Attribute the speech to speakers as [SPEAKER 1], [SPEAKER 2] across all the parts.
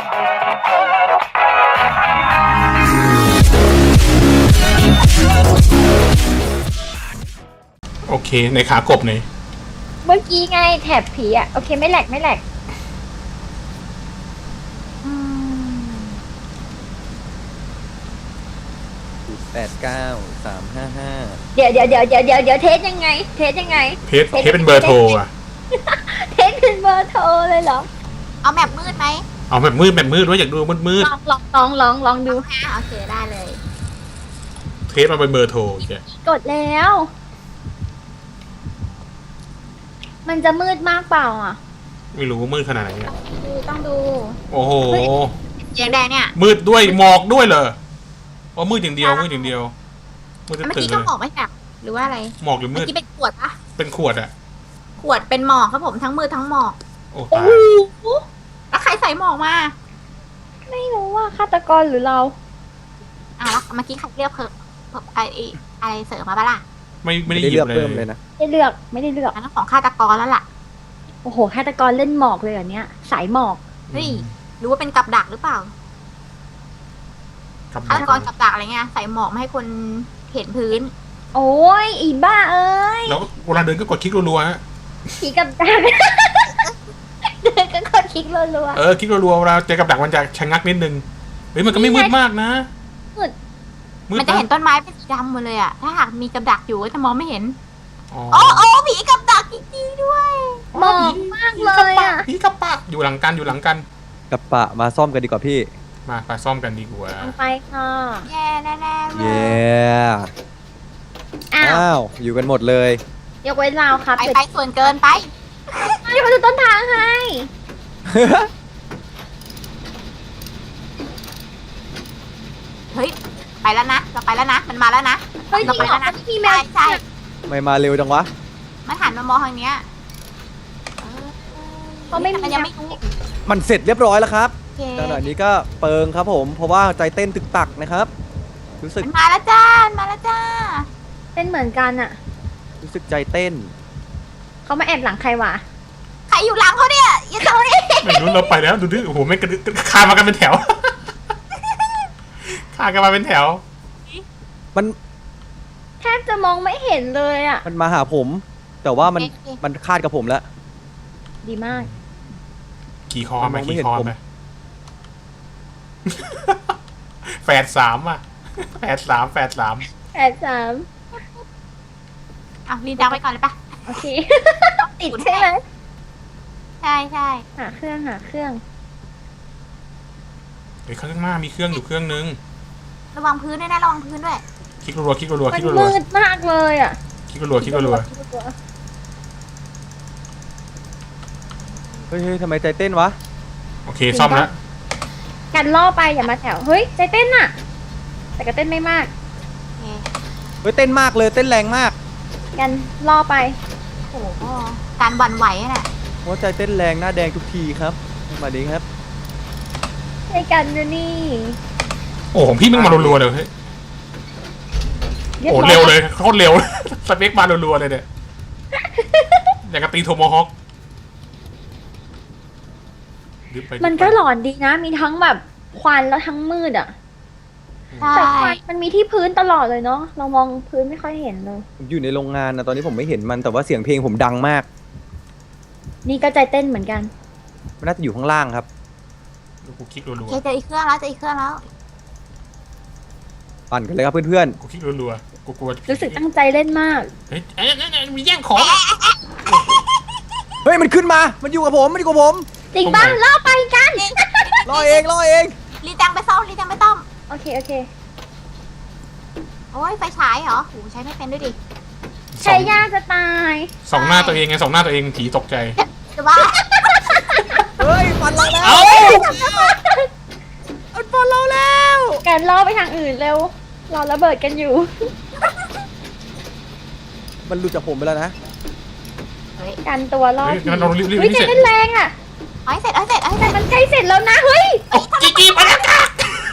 [SPEAKER 1] โอเคในขากบเนี่ย
[SPEAKER 2] เมื่อกี้ไงแถบผีอ่ะโอเคไม่แหลกไม่แหลก
[SPEAKER 3] 89 355
[SPEAKER 2] เดี๋ยวเทสยังไงเทสยังไง
[SPEAKER 1] เทสเป็นเบอร์โทรอ่ะ
[SPEAKER 2] เทสเป็นเบอร์โทรเลยเหรอ
[SPEAKER 4] เอาแมปมืดไหม
[SPEAKER 1] เอาแบบมืดว่าอยากดูมืด
[SPEAKER 2] ลองดู
[SPEAKER 4] โอเคได้เลย
[SPEAKER 1] เทสมาเป็นเบอร์โทรแก
[SPEAKER 2] กดแล้วมันจะมืดมากเปล่าอ่ะ
[SPEAKER 1] ไม่รู้มืดขนาดไหนเนี่ย
[SPEAKER 4] ต้องดู
[SPEAKER 1] โอ้โห
[SPEAKER 4] แดงเนี่ย
[SPEAKER 1] มืดด้วยหมอกด้วยเหรออ๋อมืดอย่างเดียวมืดตื่น
[SPEAKER 4] เมื่อกี้ก็หมอกไม่แตกหรือว่าอะไร
[SPEAKER 1] หมอกหรือมืด
[SPEAKER 4] เมื่อกี้เป็นขวดปะ
[SPEAKER 1] เป็นขวดอะ
[SPEAKER 4] ขวดเป็นหมอกครับผมทั้งมืดทั้งหมอก
[SPEAKER 1] โอ้ตาย
[SPEAKER 4] แล้วใครใส่หมอกมา
[SPEAKER 2] ไม่รู้ว่าฆาตกรหรือเรา
[SPEAKER 4] แล้วเมื่อกี้ใครเรียกเพิ่มอะไรเสริมมาปะล่ะ
[SPEAKER 1] ไม่ได้เลือกเพิ่มเลยนะ
[SPEAKER 2] ไม่ได้เลือก
[SPEAKER 4] อันนั้นของฆาตกรแล้วล่ะ
[SPEAKER 2] โอ้โหฆาตกรเล่นหมอกเลยเหรอเนี้ยสายหมอก
[SPEAKER 4] เฮ้ยรู้ว่าเป็นกับดักหรือเปล่าฆาตกรกับดักอะไรเงี้ยใส่หมอกไม่ให้คนเห็นพื้น
[SPEAKER 2] โอ้ยอีบ้าเอ้ย
[SPEAKER 1] แล้วเวลาเดินก็กดคลิกรัวๆฮะ
[SPEAKER 2] ผีกับดักเดินก็กดคลิกรัว
[SPEAKER 1] ๆคลิกรัวๆเวลาเจอกับดักมันจะชะงักนิดนึงเฮ้ยมันก็ไม่มืดมากนะ
[SPEAKER 4] มันจะเห็นต้นไม้เป็นสีดำหมดเลยอะถ้าหากมีกับดักอยู่ก็จะมองไม่เห็นโอ้ผีกับดักจริงๆด้วย
[SPEAKER 2] มองมากเลยอะ
[SPEAKER 1] ผีกับปะอยู่หลังกัน
[SPEAKER 3] กับปะมาซ่อมกันดีกว่าพี่
[SPEAKER 1] มาไปซ่อมกันดีกว่า
[SPEAKER 2] ไปค่ะ
[SPEAKER 4] แย่แน่ๆเลย
[SPEAKER 3] อ้าวอยู่กันหมดเลย
[SPEAKER 2] ยกเว้นเราครับ
[SPEAKER 4] ไปส่วนเกินไป
[SPEAKER 2] เดี๋ยวมาดูต้นทางให้
[SPEAKER 4] เฮ้ยไปแล้วนะเราไปแล้วนะมันมาแล้วนะ
[SPEAKER 2] เฮ้ยจริงเหรอพี่แม่
[SPEAKER 4] ใช่
[SPEAKER 3] ไม่มาเร็วจังวะ
[SPEAKER 4] มันหันมามองทางเนี้ย
[SPEAKER 2] เขาไม่
[SPEAKER 4] มันยังไม่รู้
[SPEAKER 3] มันเสร็จเรียบร้อยแล้วครับขณะนี้ก็เปิงครับผมเพราะว่าใจเต้นตึกตักนะครับรู้สึก
[SPEAKER 4] มาแล้วจ้า
[SPEAKER 2] เป็นเหมือนกันอะ
[SPEAKER 3] รู้สึกใจเต้น
[SPEAKER 2] เขามาแอบหลังใครวะ
[SPEAKER 4] ใครอยู่หลังเขาเนี่ยอย่าตรงนี้
[SPEAKER 1] ไม่รู้เราไปแล้วดูดิโอ้โหไม่กระดึ๊คามากันเป็นแถวคากันมาเป็นแถว
[SPEAKER 3] มัน
[SPEAKER 2] แทบจะมองไม่เห็นเลยอะ
[SPEAKER 3] มันมาหาผมแต่ว่ามันคาดกับผมแล้ว
[SPEAKER 2] ดีมาก
[SPEAKER 1] ขี่คอไหมแฝดสามอ่ะแฝดสาม
[SPEAKER 4] ลีนดังไปก่อนเลยปะ
[SPEAKER 2] โอเคติดใช่ไหม
[SPEAKER 4] ใช่
[SPEAKER 2] หาเครื่อง
[SPEAKER 1] เฮ้ยข้างหน้ามีเครื่องอยู่เครื่องนึง
[SPEAKER 4] ระวังพื้นด้วยนะระวังพื้นด้วย
[SPEAKER 1] คลิกรัว
[SPEAKER 2] มันมืดมากเลยอ่ะ
[SPEAKER 1] คลิกรัว
[SPEAKER 3] เฮ้ยทำไมใจเต้นวะ
[SPEAKER 1] โอเคซ่อมแล้ว
[SPEAKER 2] กันล่อไปอย่ามาแถวเฮ้ยใจเต้นอ่ะแต่ก็เต้นไม่มาก
[SPEAKER 3] เฮ้ยเต้นมากเลยเต้นแรงมาก
[SPEAKER 2] กันล่อไป
[SPEAKER 4] โอ้โหการวันไหวน่ะ
[SPEAKER 3] หัวใจเต้นแรงหน้าแดงทุกทีครับมาดีครับ
[SPEAKER 2] ให้กันดูนี่
[SPEAKER 1] โอ้ของพี่มึงมารัวๆเลยเฮ้ยโอ้เร็วเลยโคตรเร็วสเปคมารัวๆเลยเนี่ยอย่างกับตีโทโมฮอค
[SPEAKER 2] มันก็หลอนดีนะมีทั้งแบบควันแล้วทั้งมืดอ่ะแต่ควันมันมีที่พื้นตลอดเลยเนาะเรามองพื้นไม่ค่อยเห็นเลย
[SPEAKER 3] อยู่ในโรงงานนะตอนนี้ผมไม่เห็นมันแต่ว่าเสียงเพลงผมดังมาก
[SPEAKER 2] นี่ก็ใจเต้นเหมือนกัน
[SPEAKER 3] มันน่าจะอยู่ข้างล่างครับ
[SPEAKER 1] กูคลิกรัว
[SPEAKER 4] ๆจะอีกเครื่องแล้ว
[SPEAKER 3] ปั่นกันเลยครับเพื่อน
[SPEAKER 1] ๆกูคลิกรัวๆกูกลัว
[SPEAKER 2] รู้สึกตั้งใจเล่นมาก
[SPEAKER 1] เฮ้ยมีแย่งของ
[SPEAKER 3] เฮ้ยมันขึ้นมามันอยู่กับผม
[SPEAKER 2] จริงป่ะล่อไปกัน
[SPEAKER 3] ล่อเอง
[SPEAKER 4] รีจังไปซ่อม
[SPEAKER 2] โอเค
[SPEAKER 4] โอ้ยไฟฉายเหรอโหใช้ไม่เป็นด้วยดิ
[SPEAKER 2] ใช้ยากจะตาย
[SPEAKER 1] ส่องหน้าตัวเองผีตกใจ
[SPEAKER 4] จะว่า
[SPEAKER 3] เฮ้ยฟันเราแล้วฟันเราแล้ว
[SPEAKER 2] กันล่อไปทางอื่นเร็วเราระเบิดกันอยู่
[SPEAKER 3] มันหลุดจากผมไปแล้วนะ
[SPEAKER 2] กันตัวล่อผี
[SPEAKER 1] เฮ้ย
[SPEAKER 2] ใจเต้นแรงอ่ะ
[SPEAKER 4] เอาเสร็จ
[SPEAKER 2] มันใกล้เสร็จแล้วนะเฮ้ย
[SPEAKER 1] จีไปแล้วจ้ะ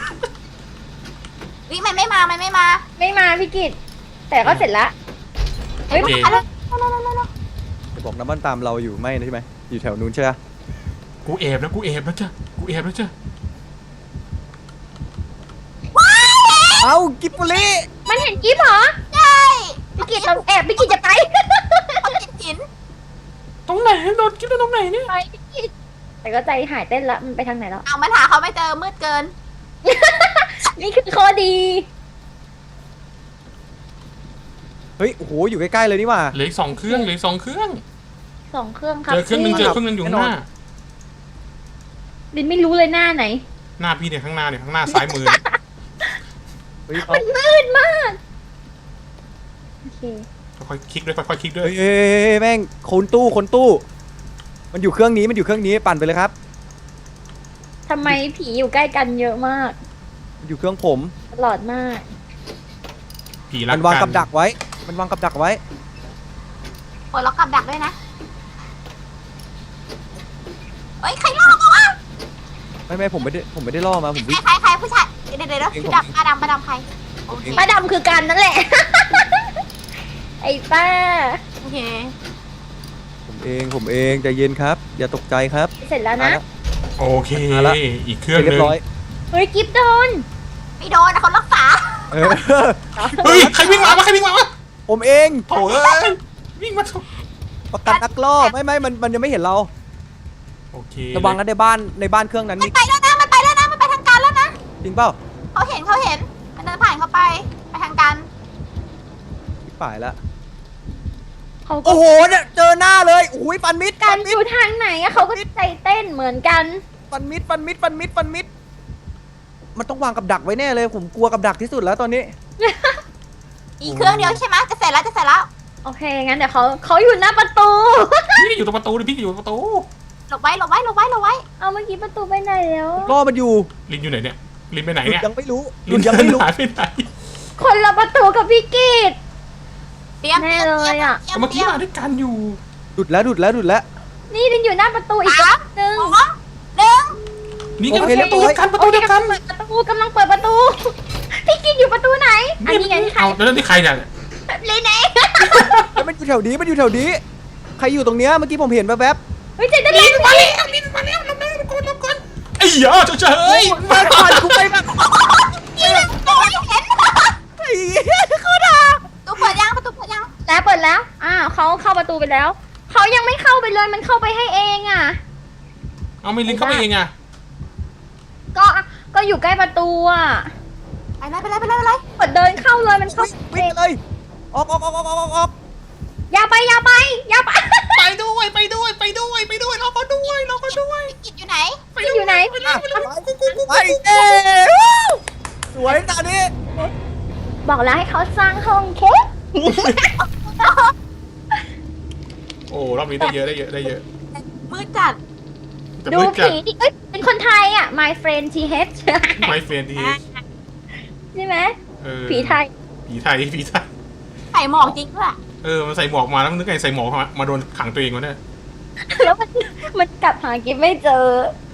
[SPEAKER 4] มันไม่มา
[SPEAKER 2] พี่กิตแต่ก็เสร็จแล้ว
[SPEAKER 4] เฮ้ยมาแล้ว
[SPEAKER 3] จะบอกน้ำมันตามเราอยู่ไม่นะใช่ไหมอยู่แถวนู้นใช่ไหม
[SPEAKER 1] กูแอบแล้วจ้ะ
[SPEAKER 3] เอากิบบุรี
[SPEAKER 2] มันเห็นกิ๊บเหรอ
[SPEAKER 4] ใช่
[SPEAKER 2] พี่กิจเราแอบพี่กิจจะไป
[SPEAKER 4] เขาติดหิน
[SPEAKER 1] ตรงไหนโดนกิ๊บตรงไหนเนี่ย
[SPEAKER 2] ไปพี่กิจแต่ก็ใจหายเต้นละมันไปทางไหนแล้ว
[SPEAKER 4] เอามันหาเขาไม่เจอมืดเกิน
[SPEAKER 2] นี่คือข้อดี
[SPEAKER 3] เฮ้ยโอ้โหอยู่ใกล้ๆเลยนี่หว่า
[SPEAKER 1] เหลืออีก2 เครื่องเหลืออีก2 เครื่อง
[SPEAKER 2] 2 เครื่องครับ
[SPEAKER 1] เจอเครื่องหนึงเจอเครื่องหนึงอยู่ข้างหน้า
[SPEAKER 2] ลินไม่รู้เลยหน้าไหน
[SPEAKER 1] หน้าพี่เนี่ยข้างหน้าเนี่ยข้างหน้าซ้ายมือ
[SPEAKER 3] เฮ้ย
[SPEAKER 2] มันมืดมากโอเค
[SPEAKER 1] ค่อยๆคลิกด้วยค่อยๆคลิกด้วย
[SPEAKER 3] เฮ้ยแม่งคนตู้มันอยู่เครื่องนี้ปั่นไปเลยครับ
[SPEAKER 2] ทำไมผีอยู่ใกล้กันเยอะมาก
[SPEAKER 3] มันอยู่เครื่องผม
[SPEAKER 2] ตลอดมาก
[SPEAKER 1] ผีรั
[SPEAKER 3] มั
[SPEAKER 1] ก
[SPEAKER 3] นวาง
[SPEAKER 1] กั
[SPEAKER 3] กับดักไว้
[SPEAKER 4] ปลดล็อกกับดักด้วยนะ เฮ้ย ใครล่อมาวะ
[SPEAKER 3] ไม่ผมไม่ได้ล่อมาผมวิ่ง
[SPEAKER 4] ใครผู้ชาย เดี๋ยว
[SPEAKER 3] เอง
[SPEAKER 4] พี่
[SPEAKER 3] ผม
[SPEAKER 4] ดำป้าดำใคร โอเค
[SPEAKER 2] ป้าดำคือกันนั่นแหละ ไอ้ป้า
[SPEAKER 4] โอเค
[SPEAKER 3] ผมเองใจเย็นครับ อย่าตกใจครับ
[SPEAKER 2] เสร็จแล้วนะ
[SPEAKER 1] โอเค
[SPEAKER 3] มาละ
[SPEAKER 1] อีกเครื่องห
[SPEAKER 3] เรี
[SPEAKER 1] นึ
[SPEAKER 3] ย
[SPEAKER 1] ง
[SPEAKER 3] บร้อย
[SPEAKER 2] เฮ้ยกิฟโดน
[SPEAKER 4] ไม่โดนนะเขารักษา
[SPEAKER 3] เออ
[SPEAKER 1] เฮ้ยใครวิ่งมาวะใครวิ่งมาวะ
[SPEAKER 3] ผมเอง
[SPEAKER 1] โถ่เอ้ยวิ่งมาถูก
[SPEAKER 3] ประกันนักล่อไม่มันยังไม่เห็นเรา
[SPEAKER 1] โอเค
[SPEAKER 3] ระวังนะในบ้านเครื่องนั้น
[SPEAKER 4] มัน
[SPEAKER 3] มี
[SPEAKER 4] ไปแล้วนะ มันไปทางการแล้วนะ
[SPEAKER 3] จริงเปล่า
[SPEAKER 4] เขาเห็น มันเดินผ่านเขาไปทางการ
[SPEAKER 3] พี่ป่ายแล้ว
[SPEAKER 2] เขาก็
[SPEAKER 3] โอ้โหเนี่ยเจอหน้าเลยโอ้ยฟันมิด
[SPEAKER 2] กันอยู่ทางไหนอะเขาก็ใจเต้นเหมือนกัน
[SPEAKER 3] ฟันมิดมันต้องวางกับดักไว้แน่เลย ผมกลัวกับดักที่สุดแล้วตอนนี้
[SPEAKER 4] อีกเครื่องเดียวใช่ไหมจะเสร็จแล้ว
[SPEAKER 2] โอเค งั้นเดี๋ยวเขาอยู่หน้าประตู
[SPEAKER 1] พี่อยู่ตรงประตูดิพี่อยู่ตรงประตู
[SPEAKER 4] หลบไว้
[SPEAKER 2] เอาเมื่อกี้ประตูไปไหนแล้ว
[SPEAKER 3] ล่อมันอยู่
[SPEAKER 1] ลินอยู่ไหนเนี่ยลินไปไหน
[SPEAKER 3] หลุ
[SPEAKER 1] เนี่
[SPEAKER 3] ด
[SPEAKER 1] ย
[SPEAKER 3] ยังไม่รู้ห
[SPEAKER 1] ลิ
[SPEAKER 3] ลุ
[SPEAKER 1] น
[SPEAKER 3] ดยังไม่รู้
[SPEAKER 1] หายไปไหน
[SPEAKER 2] คนละประตูกับพี่กีด
[SPEAKER 4] เตรียม
[SPEAKER 2] แน่เลยอะ
[SPEAKER 1] ก็เมื่อกี้มาด้วยกันอยู่
[SPEAKER 3] หลุดแล้ว
[SPEAKER 2] นี่ดินอยู่หน้าประตูอีกรอบนึง
[SPEAKER 1] นี่ก็
[SPEAKER 3] โอเค
[SPEAKER 1] ประตูเดียวกันประตูเดียวกัน
[SPEAKER 2] เปิดประตูกำลังเปิดประตู พี่กีดอยู่ประตูไหน อันนี้ไงที่ใคร
[SPEAKER 1] เอาแล้วนี่ใครเนี่ย
[SPEAKER 2] ลินเอง
[SPEAKER 3] แล้วมันอยู่แถวนี้ใครอยู่ตรงเนี้ยเมื่อกี้ผมเห็นแวบ
[SPEAKER 2] เฮ้ยเจนได้
[SPEAKER 1] ลิ
[SPEAKER 2] ลิ
[SPEAKER 1] น
[SPEAKER 2] น
[SPEAKER 1] มาแล้วลินมาแล้วลบก่อนไอ้เหี้ยเฉย
[SPEAKER 3] ๆมาก่อนกูไปแบบ ไอ้เหี้ยเขาด่า
[SPEAKER 4] ประตูเปิดยัง
[SPEAKER 2] แล้วเปิดแล้วเขาเข้าประตูไปแล้ว เขายังไม่เข้าไปเลย มันเข้าไปให้เองอ่ะ
[SPEAKER 1] เอาไม่ลินเข้าไปเองอ่ะ
[SPEAKER 2] ก็อยู่ใกล้ประตูอ่ะ
[SPEAKER 4] ไปเลย
[SPEAKER 2] เปิดเดินเข้าเลย มันเข้า
[SPEAKER 3] วิ่งเลยออก
[SPEAKER 2] อย่าไป
[SPEAKER 1] ไปด้วยรอเขาด้วย
[SPEAKER 4] กิจอยู่ไหน
[SPEAKER 2] อยู่ไหน
[SPEAKER 3] ไปเอ้สวยตอนนี้
[SPEAKER 2] บอกแล้วให้เขาสร้างห้องเค้ก
[SPEAKER 1] โอ้รอบนี้ได้เยอะ
[SPEAKER 4] มืดจัด
[SPEAKER 1] แต่
[SPEAKER 2] ดู
[SPEAKER 1] มืดจัด
[SPEAKER 2] ผีดิเป็นคนไทยอ่ะ My friend TH
[SPEAKER 1] ไม่เฟรนดี
[SPEAKER 2] ใช่ไหม
[SPEAKER 1] เออ
[SPEAKER 2] ผีไทย
[SPEAKER 1] ผีไทย
[SPEAKER 4] ไข่หมอกจริงด้วย
[SPEAKER 1] มันใส่หมวกมาแล้วนึกไงใส่หมวกมาโดนขังตัวเองวะเนี่ย
[SPEAKER 2] แล้วมันกลับหากิฟไม่เจอ